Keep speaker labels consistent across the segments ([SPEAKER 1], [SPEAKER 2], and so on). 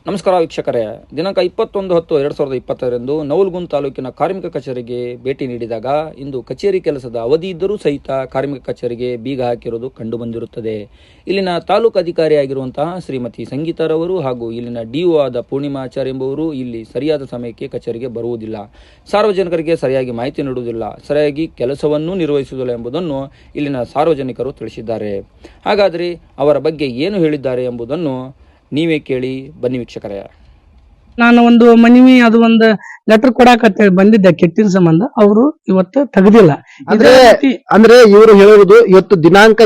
[SPEAKER 1] ನಮಸ್ಕಾರ ವೀಕ್ಷಕರೇ. ದಿನಾಂಕ 21/10/2020 ನವಲಗುಂದ ತಾಲೂಕಿನ ಕಾರ್ಮಿಕ ಕಚೇರಿಗೆ ಭೇಟಿ ನೀಡಿದಾಗ ಇಂದು ಕಚೇರಿ ಕೆಲಸದ ಅವಧಿ ಇದ್ದರೂ ಸಹಿತ ಕಾರ್ಮಿಕ ಕಚೇರಿಗೆ ಬೀಗ ಹಾಕಿರುವುದು ಕಂಡುಬಂದಿರುತ್ತದೆ. ಇಲ್ಲಿನ ತಾಲೂಕು ಅಧಿಕಾರಿಯಾಗಿರುವಂತಹ ಶ್ರೀಮತಿ ಸಂಗೀತಾರವರು ಹಾಗೂ ಇಲ್ಲಿನ ಡಿಒ ಆದ ಪೂರ್ಣಿಮಾಚಾರ್ಯ ಎಂಬುವರು ಇಲ್ಲಿ ಸರಿಯಾದ ಸಮಯಕ್ಕೆ ಕಚೇರಿಗೆ ಬರುವುದಿಲ್ಲ, ಸಾರ್ವಜನಿಕರಿಗೆ ಸರಿಯಾಗಿ ಮಾಹಿತಿ ನೀಡುವುದಿಲ್ಲ, ಸರಿಯಾಗಿ ಕೆಲಸವನ್ನೂ ನಿರ್ವಹಿಸುವುದಿಲ್ಲ ಎಂಬುದನ್ನು ಇಲ್ಲಿನ ಸಾರ್ವಜನಿಕರು ತಿಳಿಸಿದ್ದಾರೆ. ಹಾಗಾದರೆ ಅವರ ಬಗ್ಗೆ ಏನು ಹೇಳಿದ್ದಾರೆ ಎಂಬುದನ್ನು ನೀವೇ ಕೇಳಿ ಬನ್ನಿ ವೀಕ್ಷಕರೇ.
[SPEAKER 2] ನಾನು ಒಂದು ಮನವಿ ಅದು ಒಂದು ಲೆಟರ್ ಕೊಡಾಕಂತ ಬಂದಿದ್ದೆ ಕೆಟ್ಟಿನ ಸಂಬಂಧ. ಅವರು ಇವತ್ತು ತೆಗೆದಿಲ್ಲ.
[SPEAKER 3] ಅಂದ್ರೆ ಇವರು ಹೇಳಿರುವುದು ಇವತ್ತು ದಿನಾಂಕ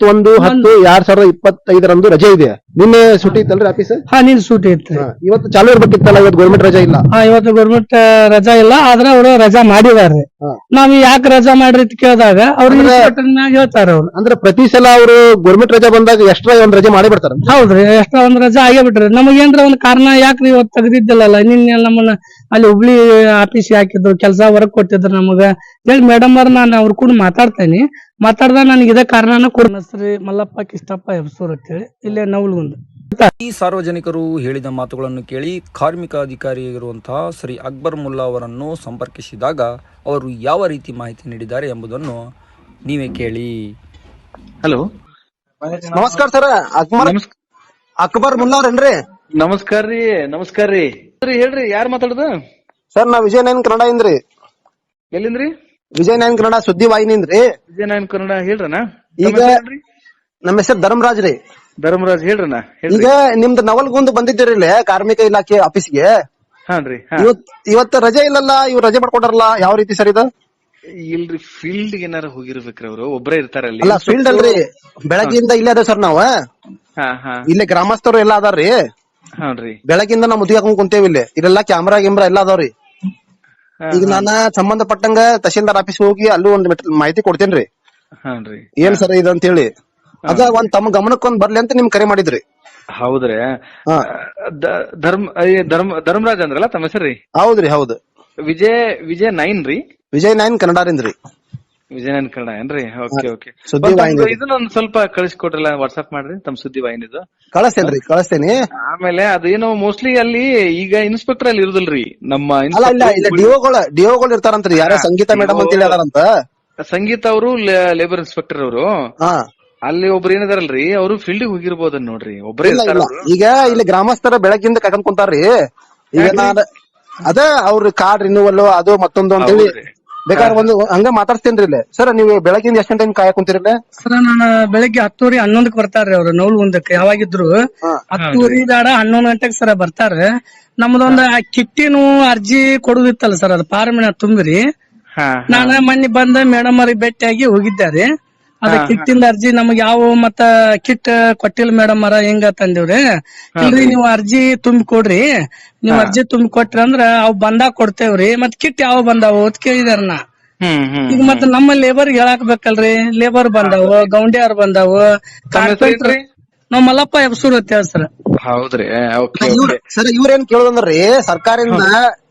[SPEAKER 3] 21/10/2025 ರಜೆ ಇದೆ. ನಿನ್ನೆ ಸೂಟಿ ಇತ್ತಲ್ರಿ ಆಫೀಸ್?
[SPEAKER 2] ಹಾ, ನೀನ್ ಸೂಟಿ ಇತ್ತು.
[SPEAKER 3] ಇವತ್ತು ಚಾಲು ಇರ್ಬೇಕಿತ್ತಲ್ಲ, ಇವತ್ತು ಗೌರ್ಮೆಂಟ್ ರಜಾ ಇಲ್ಲ.
[SPEAKER 2] ಇವತ್ತು ಗೌರ್ಮೆಂಟ್ ರಜಾ ಇಲ್ಲ, ಆದ್ರೆ ಅವರು ರಜಾ ಮಾಡಿದಾರೆ. ನಾವ್ ಯಾಕೆ ರಜಾ ಮಾಡ್ರಿ ಅಂತ ಕೇಳಿದಾಗ ಅವ್ರು ಮ್ಯಾಗ ಹೇಳ್ತಾರ. ಅವ್ರು
[SPEAKER 3] ಅಂದ್ರೆ ಪ್ರತಿ ಸಲ ಅವರು ಗೌರ್ಮೆಂಟ್ ರಜಾ ಬಂದಾಗ ಎಕ್ಸ್ಟ್ರಾ ಒಂದ್ ರಜೆ ಮಾಡಿ ಬಿಡ್ತಾರ.
[SPEAKER 2] ಹೌದ್ರಿ, ಎಕ್ಸ್ಟ್ರಾ ಒಂದ್ ರಜಾ ಆಗೇ ಬಿಟ್ರಿ. ನಮಗೇನ್ರ ಒಂದ್ ಕಾರಣ ಯಾಕ್ರಿ ಇವತ್ತು ತೆಗ್ದಿದ್ದಿಲ್ಲಲ್ಲ, ನಿನ್ನೆ ನಮ್ಮನ್ನ ಅಲ್ಲಿ ಹುಬ್ಳಿ ಆಫೀಸ್ ಹಾಕಿದ್ರು, ಕೆಲಸ ಹೊರಗ್ ಕೊಟ್ಟಿದ್ರು ನಮಗ ಹೇಳಿ ಮೇಡಮ್ ಅವ್ರ ನಾನು ಅವ್ರ ಕೂಡ ಮಾತಾಡ್ತೇನೆ. ಮಾತಾಡ್ದ ನನಗೆ ಇದೇ ಕಾರಣನ ಕೊಡ ಶ್ರೀ ಮಲ್ಲಪ್ಪ ಕಿಷ್ಟಪ್ಪ ಹೆಬ್ಸೂರ್ ಅಂತೇಳಿ ಇಲ್ಲೇ ನವಲಗುಂದ.
[SPEAKER 1] ಈ ಸಾರ್ವಜನಿಕರು ಹೇಳಿದ ಮಾತುಗಳನ್ನು ಕೇಳಿ ಕಾರ್ಮಿಕ ಅಧಿಕಾರಿಯಾಗಿರುವಂತಹ ಶ್ರೀ ಅಕ್ಬರ್ ಮುಲ್ಲಾ ಅವರನ್ನು ಸಂಪರ್ಕಿಸಿದಾಗ ಅವರು ಯಾವ ರೀತಿ ಮಾಹಿತಿ ನೀಡಿದ್ದಾರೆ ಎಂಬುದನ್ನು ನೀವೇ ಕೇಳಿ.
[SPEAKER 4] ಹಲೋ,
[SPEAKER 3] ನಮಸ್ಕಾರ ಸರ್. ಅಕ್ಬರ್ ಮುಲ್ಲಾ ಅವ್ರೇನ್ರಿ?
[SPEAKER 4] ನಮಸ್ಕಾರ ರೀ. ನಮಸ್ಕಾರ ರೀ. ಹೇಳ್ರಿ, ಯಾರು ಮಾತಾಡುದು?
[SPEAKER 3] ಸರ್, ನಾ ವಿಜಯ ನೈನ್ ಕನ್ನಡ ಇಂದ್ರಿ.
[SPEAKER 4] ಎಲ್ಲಿಂದ್ರಿ?
[SPEAKER 3] ವಿಜಯ ನೈನ್ ಕನ್ನಡ ಸುದ್ದಿ ವಾಹಿನಿಂದ್ರಿ.
[SPEAKER 4] ವಿಜಯ ನೈನ್ ಕನ್ನಡ ಹೇಳ್ರನ.
[SPEAKER 3] ಈಗ ನಮ್ಮ ಹೆಸರು ಧರ್ಮರಾಜ್ ರೀ.
[SPEAKER 4] ಧರ್ಮರಾಜ್ ಹೇಳ್ರನ.
[SPEAKER 3] ಈಗ ನಿಮ್ದು ನವಲ್ಗುಂದ್ ಬಂದಿದ್ದೀರಿ ಇಲ್ಲಿ ಕಾರ್ಮಿಕ ಇಲಾಖೆ ಆಫೀಸ್ಗೆ.
[SPEAKER 4] ಹಾನ್ರಿ.
[SPEAKER 3] ಇವತ್ತು ರಜೆ ಇಲ್ಲಲ್ಲ, ಇವ್ರು ರಜೆ ಮಾಡ್ಕೊಟ್ಟಾರಲ್ಲ, ಯಾವ ರೀತಿ ಸರ್ ಇದು?
[SPEAKER 4] ಇಲ್ರಿ, ಫೀಲ್ಡ್ ಏನಾರ ಹೋಗಿರ್ಬೇಕ್ರಿ ಅವ್ರು, ಒಬ್ರೇ ಇರ್ತಾರಲ್ಲಿ.
[SPEAKER 3] ಅಲ್ಲ, ಫೀಲ್ಡ್ ಅಲ್ರಿ, ಬೆಳಗ್ಗಿಂದ ಇಲ್ಲೇ ಅದ ಸರ್ ನಾವು. ಇಲ್ಲೇ ಗ್ರಾಮಸ್ಥರು ಎಲ್ಲಾ ಅದಾರ್ರಿ.
[SPEAKER 4] ಹಾನ್ರಿ.
[SPEAKER 3] ಬೆಳಗಿಂದ ನಾವು ಮುದುಕಿ ಹಾಕೊಂಡ್ ಕುಂತೇವಿ. ಇಲ್ಲೆಲ್ಲಾ ಕ್ಯಾಮ್ರಾ ಗಿಮ್ರಾ ಎಲ್ಲಾ ಅದಾವ್ರಿ. ಈಗ ನಾನ ಸಂಬಂಧಪಟ್ಟಂಗ ತಹಶೀಲ್ದಾರ್ ಆಫೀಸ್ ಹೋಗಿ ಅಲ್ಲೂ ಒಂದ್ ಮಾಹಿತಿ ಕೊಡ್ತೇನ್ರಿ.
[SPEAKER 4] ಹಾನ್ರಿ.
[SPEAKER 3] ಏನ್ ಸರ್ ಇದು ಅಂತ ಹೇಳಿ ಅದ ಒಂದ್ ತಮ್ಮ ಗಮನಕ್ಕೊಂದ್ ಬರ್ಲಿ ಅಂತ ನಿಮ್ ಕರೆ ಮಾಡಿದ್ರಿ.
[SPEAKER 4] ಹೌದ್ರಿ. ಧರ್ಮರಾಜ್ ಅಂದ್ರಲ್ಲ ತಮ್ಮ ಹೆಸರ್ರಿ?
[SPEAKER 3] ಹೌದ್ರಿ, ಹೌದು.
[SPEAKER 4] ವಿಜಯ್ ನೈನ್ ರೀ.
[SPEAKER 3] ವಿಜಯ್ ನೈನ್ ಕನ್ನಡರಿಂದ್ರಿ.
[SPEAKER 4] ವಿಜಯ್ ನೈನ್ ಕನ್ನಡ ಏನ್ರಿ? Okay okay.
[SPEAKER 3] ಸುದ್ದಿ ವಾಹಿನಿ
[SPEAKER 4] ಇದನ್ನೊಂದ್ ಸ್ವಲ್ಪ ಕಳಿಸ್ಕೊಟ್ರಲ್ಲ, ವಾಟ್ಸ್ಆಪ್ ಮಾಡ್ರಿ ತಮ್ಮ ಸುದ್ದಿ ವಾಹಿನಿದು.
[SPEAKER 3] ಕಳಿಸ್ತೇನಿ.
[SPEAKER 4] ಆಮೇಲೆ ಅದೇನೋ ಮೋಸ್ಟ್ಲಿ ಅಲ್ಲಿ ಈಗ ಇನ್ಸ್ಪೆಕ್ಟರ್ ಅಲ್ಲಿ ಇರುದಿಲ್ರಿ, ನಮ್ಮ
[SPEAKER 3] ಡಿಒಗಳು ಇರ್ತಾರಂತ್ರಿ. ಯಾರ ಸಂಗೀತ ಮೇಡಮ್ ಅಂತ ಹೇಳಾರಂತ.
[SPEAKER 4] ಸಂಗೀತ ಅವರು ಲೇಬರ್ ಇನ್ಸ್ಪೆಕ್ಟರ್ ಅವರು. ಅಲ್ಲಿ ಒಬ್ರು ಏನಿದಾರಲ್ರಿ, ಅವರು ಫೀಲ್ಡ್ ಹೋಗಿರ್ಬೋದನ್ ನೋಡ್ರಿ, ಒಬ್ಬರೇ ಇರ್ತಾರ.
[SPEAKER 3] ಈಗ ಇಲ್ಲಿ ಗ್ರಾಮಸ್ಥರ ಬೆಳಗ್ಗಿಂದ ಕರ್ಕೊಂಡ್ ಕುಂತಾರ್ರಿ. ಈಗ ಅದ ಅವ್ರ ಕಾರ್ಡ್ ರಿನ್ಯೂವಲ್ ಅದು ಮತ್ತೊಂದು ಅಂತ ಹೇಳಿ ಬೇಕಾದ್ರೆ ಒಂದು ಹಂಗ ಮಾತಾಡ್ತೇನ್ರಿ. ಇಲ್ಲಿ ಸರ್, ನೀವು ಬೆಳಗ್ಗಿಂದ ಎಷ್ಟು ಟೈಮ್ ಕಾಯಕ್ ಕುಂತಿರಲ್ಲ?
[SPEAKER 2] ಸರ್, ನಾನು ಬೆಳಿಗ್ಗೆ 10:11 ಬರ್ತಾರ್ರಿ ಅವ್ರು ನವಲಗುಂದಕ್ಕೆ. ಯಾವಾಗಿದ್ರು 10:30 ಬೇಡ 11 ಗಂಟೆಗೆ ಸರ ಬರ್ತಾರ. ನಮ್ದೊಂದ್ ಕಿಟ್ಟಿನೂ ಅರ್ಜಿ ಕೊಡುದಿತ್ತಲ್ಲ ಸರ್, ಅದು ಫಾರ್ಮಿನ ತುಂಬಿರಿ. ನಾನ ಮೊನ್ನೆ ಬಂದ ಮೇಡಮ್ ಅವ್ರಿಗೆ ಭೇಟಿಯಾಗಿ ಹೋಗಿದ್ದಾರೆ. ಅದ ಕಿಟ್ಟಿಂದ ಅರ್ಜಿ ನಮಗ್ ಯಾವ ಮತ್ತ ಕಿಟ್ ಕೊಟ್ಟಿಲ್ಲ ಮೇಡಮ್ ಅವರ, ಹೆಂಗ ತಂದಿವ್ರಿ. ಇಲ್ರಿ, ನೀವು ಅರ್ಜಿ ತುಂಬಿ ಕೊಡ್ರಿ, ನೀವ್ ಅರ್ಜಿ ತುಂಬಿ ಕೊಟ್ರಿ ಅಂದ್ರ ಅವ್ ಬಂದಾಗ ಕೊಡ್ತೇವ್ರಿ. ಮತ್ ಕಿಟ್ ಯಾವ ಬಂದಾವು ಅಂತ ಕೇಳಿದಾರ. ನಾ ಈಗ ಮತ್ತ ನಮ್ಮ ಲೇಬರ್ ಹೇಳಾಕ್ ಬೇಕಲ್ರಿ. Labour ಬಂದಾವು, ಗೌಂಡಿಯಾರ್ ಬಂದಾವು, carpenter. ನಾವ್ ಮಲ್ಲಪ್ಪ ಹೆಬ್ಸೂರ್ ಅಂತ ಹೇಳಿ ಸರ್.
[SPEAKER 4] ಹೌದ್ರಿ.
[SPEAKER 3] ಸರ್, ಇವ್ರೇನ್ ಕೇಳೋದಂದ್ರಿ, ಸರ್ಕಾರದಿಂದ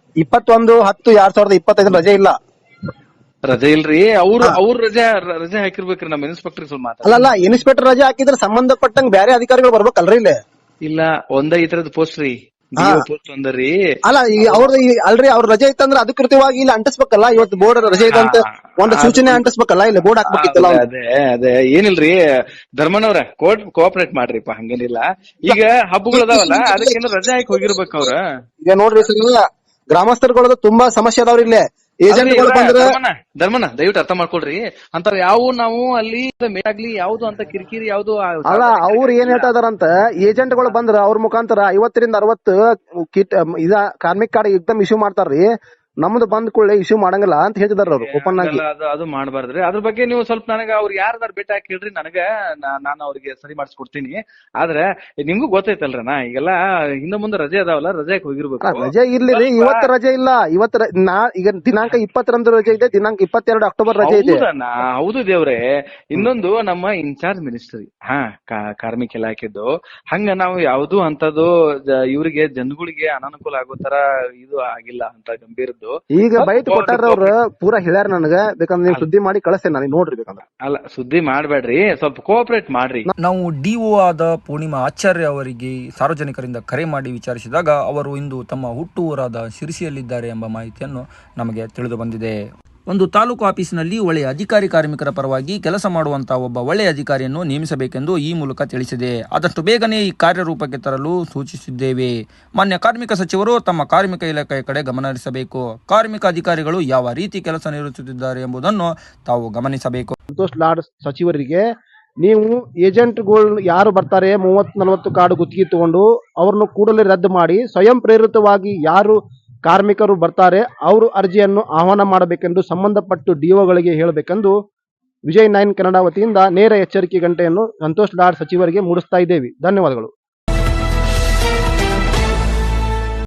[SPEAKER 3] 21/10/2025 ರಜೆ ಇಲ್ಲ.
[SPEAKER 4] ರಜೆ ಇಲ್ರಿ, ಅವ್ರ ರಜೆ ಹಾಕಿರ್ಬೇಕ್ರಿ. ನಮ್ಮ ಇನ್ಸ್ಪೆಕ್ಟರ್ ಸ್ವಲ್ಪ ಮಾತಾಡ.
[SPEAKER 3] ಅಲ್ಲ, ಇನ್ಸ್ಪೆಕ್ಟರ್ ರಜೆ ಹಾಕಿದ್ರೆ ಸಂಬಂಧಪಟ್ಟಂಗ ಬೇರೆ ಅಧಿಕಾರಿಗಳು ಬರ್ಬೇಕಲ್ರಿ ಇಲ್ಲಿ?
[SPEAKER 4] ಇಲ್ಲ, ಈ ತರದ ಪೋಸ್ಟ್ ರೀ, ಪೋಸ್ಟ್ ಒಂದರಿ.
[SPEAKER 3] ಅಲ್ಲ, ಅಲ್ರಿ, ಅವ್ರ ರಜೆ ಇತ್ತಂದ್ರೆ ಅಧಿಕೃತವಾಗಿ ಇಲ್ಲಿ ಅಂಟಿಸ್ಬೇಕಲ್ಲ. ಇವತ್ತು ಬೋರ್ಡ್ ರಜೆ ಇದೆ ಅಂತ ಒಂದು ಸೂಚನೆ ಅಂಟಿಸ್ಬೇಕಲ್ಲ, ಇಲ್ಲಿ ಬೋರ್ಡ್ ಹಾಕ್ಬೇಕಿತ್ತಲ್ಲ.
[SPEAKER 4] ಅದೇ ಏನಿಲ್ರಿ, ಧರ್ಮನವ್ರ ಕೋಆಪರೇಟ್ ಮಾಡ್ರಿಪ್ಪ, ಹಂಗೇನಿಲ್ಲ. ಈಗ ಹಬ್ಬಗಳು ಅದಾವಲ್ಲ, ಅದಕ್ಕೇನು ರಜೆ ಹಾಕಿ ಹೋಗಿರ್ಬೇಕು ಅವ್ರ. ಈಗ
[SPEAKER 3] ನೋಡ್ರಿ ಸರ್, ಗ್ರಾಮಸ್ಥರುಗಳದ್ದು ತುಂಬಾ ಸಮಸ್ಯೆ ಅದಾವ್ರಿ ಇಲ್ಲಿ. ಏಜೆಂಟ್ಗಳು ಬಂದ್ರೆ
[SPEAKER 4] ಧರ್ಮನ ದಯವಿಟ್ಟು ಅರ್ಥ ಮಾಡ್ಕೊಳ್ರಿ. ಅಂತಾರ ಯಾವ ನಾವು ಅಲ್ಲಿ ಆಗ್ಲಿ ಯಾವ್ದು ಅಂತ ಕಿರಿಕಿರಿ ಯಾವ್ದು
[SPEAKER 3] ಅಲ್ಲ. ಅವ್ರು ಏನ್ ಹೇಳ್ತಾ ಇದಾರಂತ, ಏಜೆಂಟ್ಗಳು ಬಂದ್ರ ಅವ್ರ ಮುಖಾಂತರ 50ರಿಂದ 60 ಕಿಟ್ ಕಾರ್ಮಿಕ ಕಾರ್ಡ್ ಎಕ್ದಮ್ ಇಶ್ಯೂ ಮಾಡ್ತಾರ್ರಿ. ನಮ್ದು ಬಂದ್ ಕೂಡಲೇ ಇಶ್ಯೂ ಮಾಡಂಗಿಲ್ಲ ಅಂತ ಹೇಳ್ತಿದಾರ ಅವ್ರು ಓಪನ್ ಆಗಿ.
[SPEAKER 4] ಅದು ಮಾಡಬಾರ್ದ್ರಿ. ಅದ್ರ ಬಗ್ಗೆ ನೀವು ಸ್ವಲ್ಪ ನನಗ ಅವ್ರು ಯಾರ್ದಾರು ಭೇಟಿ ಹಾಕಿ ಹೇಳ್ರಿ, ನನಗ ನಾನು ಅವ್ರಿಗೆ ಸರಿ ಮಾಡಿಸ್ಕೊಡ್ತೀನಿ. ಆದ್ರೆ ನಿಮ್ಗೂ ಗೊತ್ತೈತಲ್ರನಾ, ಈಗೆಲ್ಲ ಹಿಂದ ಮುಂದೆ ರಜೆ ಅದಾವಲ್ಲ, ರಜೆ ಹೋಗಿರ್ಬೇಕು.
[SPEAKER 3] ರಜೆ ಇರ್ಲಿ, ಇವತ್ತು ರಜೆ ಇಲ್ಲ. ಈಗ ದಿನಾಂಕ 20ರಂದು ರಜೆ ಇದೆ, ದಿನಾಂಕ 22 ಅಕ್ಟೋಬರ್ ರಜೆ ಇದೆ.
[SPEAKER 4] ಹೌದು ದೇವ್ರೆ. ಇನ್ನೊಂದು ನಮ್ಮ ಇನ್ಚಾರ್ಜ್ ಮಿನಿಸ್ಟರ್ ಕಾರ್ಮಿಕ ಇಲಾಖೆದ್ದು, ಹಂಗ ನಾವು ಯಾವ್ದು ಅಂತದ್ದು ಇವ್ರಿಗೆ ಜನಗಳಿಗೆ ಅನಾನುಕೂಲ ಆಗೋ ತರ ಇದು ಆಗಿಲ್ಲ ಅಂತ ಗಂಭೀರದ್ದು. ಬಂದು
[SPEAKER 3] ಈಗ ಬೈಟ್ ಕೊಟ್ಟಾರ ಅವ್ರ ಪೂರಾ ಹೇಳ್ಯಾರ ನನಗ, ಬೇಕಂದ್ರೆ ನೀವು ಸುದ್ದಿ ಮಾಡಿ ಕಳಿಸ್ತೇನೆ ನನಗೆ ನೋಡ್ರಿ ಬೇಕಂದ್ರ.
[SPEAKER 4] ಅಲ್ಲ ಸುದ್ದಿ ಮಾಡ್ಬೇಡ್ರಿ, ಸ್ವಲ್ಪ ಕೋಆಪರೇಟ್ ಮಾಡ್ರಿ.
[SPEAKER 1] ನಾವು ಡಿಒ ಆದ ಪೂರ್ಣಿಮಾ ಆಚಾರ್ಯ ಅವರಿಗೆ ಸಾರ್ವಜನಿಕರಿಂದ ಕರೆ ಮಾಡಿ ವಿಚಾರಿಸಿದಾಗ ಅವರು ಇಂದು ತಮ್ಮ ಹುಟ್ಟೂರಾದ ಶಿರಸಿಯಲ್ಲಿದ್ದಾರೆ ಎಂಬ ಮಾಹಿತಿಯನ್ನು ನಮಗೆ ತಿಳಿದು ಬಂದಿದೆ. ಒಂದು ತಾಲೂಕು ಆಫೀಸಿನಲ್ಲಿ ಒಳ್ಳೆಯ ಅಧಿಕಾರಿ ಕಾರ್ಮಿಕರ ಪರವಾಗಿ ಕೆಲಸ ಮಾಡುವಂತಹ ಒಬ್ಬ ಒಳ್ಳೆಯ ಅಧಿಕಾರಿಯನ್ನು ನೇಮಿಸಬೇಕೆಂದು ಈ ಮೂಲಕ ತಿಳಿಸಿದೆ. ಆದಷ್ಟು ಬೇಗನೆ ಈ ಕಾರ್ಯರೂಪಕ್ಕೆ ತರಲು ಸೂಚಿಸಿದ್ದೇವೆ. ಮಾನ್ಯ ಕಾರ್ಮಿಕ ಸಚಿವರು ತಮ್ಮ ಕಾರ್ಮಿಕ ಇಲಾಖೆಯ ಕಡೆ ಗಮನ ಹರಿಸಬೇಕು. ಕಾರ್ಮಿಕ ಅಧಿಕಾರಿಗಳು ಯಾವ ರೀತಿ ಕೆಲಸ ನಿರ್ವಹಿಸುತ್ತಿದ್ದಾರೆ ಎಂಬುದನ್ನು ತಾವು ಗಮನಿಸಬೇಕು.
[SPEAKER 3] ಸಂತೋಷ್ ಲಾಡ್ ಸಚಿವರಿಗೆ ನೀವು ಏಜೆಂಟ್ಗಳು ಯಾರು ಬರ್ತಾರೆ 30-40 ಕಾರ್ಡ್ ಗುತ್ತಿಗೆ ತಗೊಂಡು ಅವ್ರನ್ನು ಕೂಡಲೇ ರದ್ದು ಮಾಡಿ ಸ್ವಯಂ ಪ್ರೇರಿತವಾಗಿ ಯಾರು ಕಾರ್ಮಿಕರು ಬರ್ತಾರೆ ಅವರು ಅರ್ಜಿಯನ್ನು ಆಹ್ವಾನ ಮಾಡಬೇಕೆಂದು ಸಂಬಂಧಪಟ್ಟು ಡಿಒಗಳಿಗೆ ಹೇಳಬೇಕೆಂದು ವಿಜಯ್ 9 ಕನ್ನಡ ವತಿಯಿಂದ ನೇರ ಎಚ್ಚರಿಕೆ ಗಂಟೆಯನ್ನು ಸಂತೋಷ್ ಲಾಡ್ ಸಚಿವರಿಗೆ ಮೂಡಿಸ್ತಾ ಇದ್ದೇವೆ. ಧನ್ಯವಾದಗಳು.